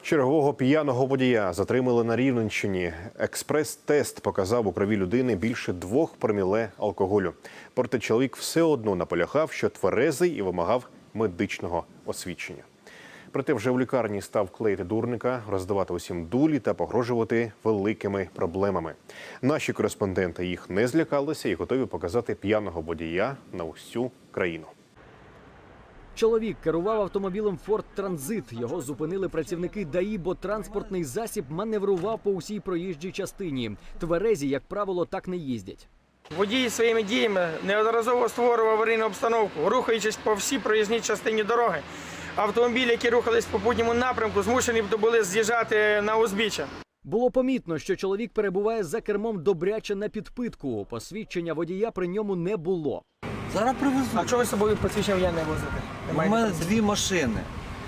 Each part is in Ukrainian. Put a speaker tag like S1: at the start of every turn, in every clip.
S1: Чергового п'яного водія затримали на Рівненщині. Експрес-тест показав у крові людини більше 2 проміле алкоголю. Проте чоловік все одно наполягав, що тверезий і вимагав медичного освідчення. Проте вже в лікарні став клеїти дурника, роздавати усім дулі та погрожувати великими проблемами. Наші кореспонденти їх не злякалися і готові показати п'яного водія на усю країну.
S2: Чоловік керував автомобілем Ford Transit. Його зупинили працівники ДАІ, бо транспортний засіб маневрував по усій проїжджій частині. Тверезі, як правило, так не їздять.
S3: Водій своїми діями неодноразово створював аварійну обстановку, рухаючись по всій проїзній частині дороги. Автомобілі, які рухались в попутньому напрямку, змушені були з'їжджати на узбіччя.
S2: Було помітно, що чоловік перебуває за кермом добряче на підпитку. Посвідчення водія при ньому не було.
S4: Зараз привезу.
S3: А чого ви з собою посвідчення водія не возите?
S4: У мене 2 машини.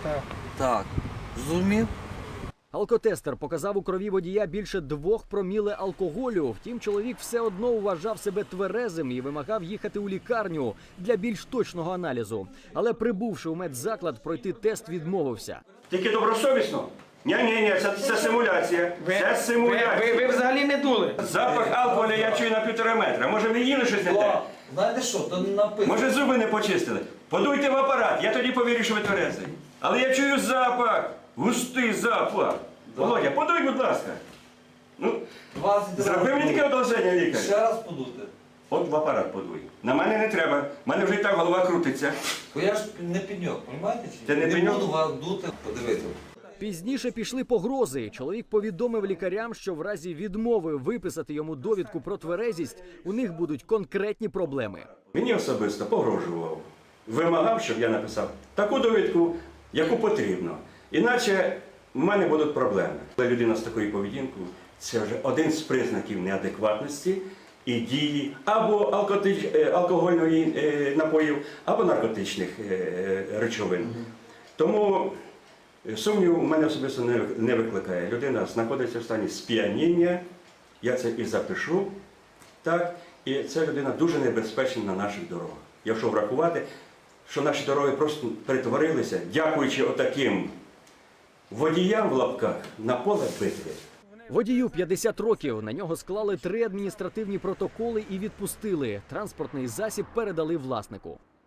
S4: Так. Зрозумів?
S2: Алкотестер показав у крові водія більше 2 проміле алкоголю. Втім, чоловік все одно вважав себе тверезим і вимагав їхати у лікарню для більш точного аналізу. Але прибувши у медзаклад, пройти тест відмовився.
S5: Тільки добросовісно? Ні, це симуляція. Це симуляція.
S3: Ви взагалі не дули?
S5: Запах алкоголю я чую на 1,5 метра. Може, ви їли щось не те?
S4: Знаєте що, то написано.
S5: Може, зуби не почистили? Подуйте в апарат, я тоді повірю, що ви тверезий. Але я чую запах, густий запах. Володя, подуй, будь ласка. Ну,
S4: 20
S5: зроби мені таке одолження, лікар.
S4: Ще раз подути.
S5: От в апарат подуй. На мене не треба. У мене вже і так голова крутиться.
S4: Бо я ж не пеньок, розумієте?
S5: Ти не пеньок?
S4: буду вас дути, подивіться.
S2: Пізніше пішли погрози. Чоловік повідомив лікарям, що в разі відмови виписати йому довідку про тверезість, у них будуть конкретні проблеми.
S5: Мені особисто погрожував. Вимагав, щоб я написав таку довідку, яку потрібно. Іначе в мене будуть проблеми. Людина з такою поведінкою – це вже один з признаків неадекватності і дії або алкогольної напоїв, або наркотичних речовин. Тому сумнів у мене особисто не викликає. Людина знаходиться в стані сп'яніння, я це і запишу, так, і ця людина дуже небезпечна на наших дорогах. Якщо врахувати, що наші дороги просто перетворилися, дякуючи отаким водіям в лапках, на поле битви.
S2: Водію 50 років. На нього склали 3 адміністративні протоколи і відпустили. Транспортний засіб передали власнику.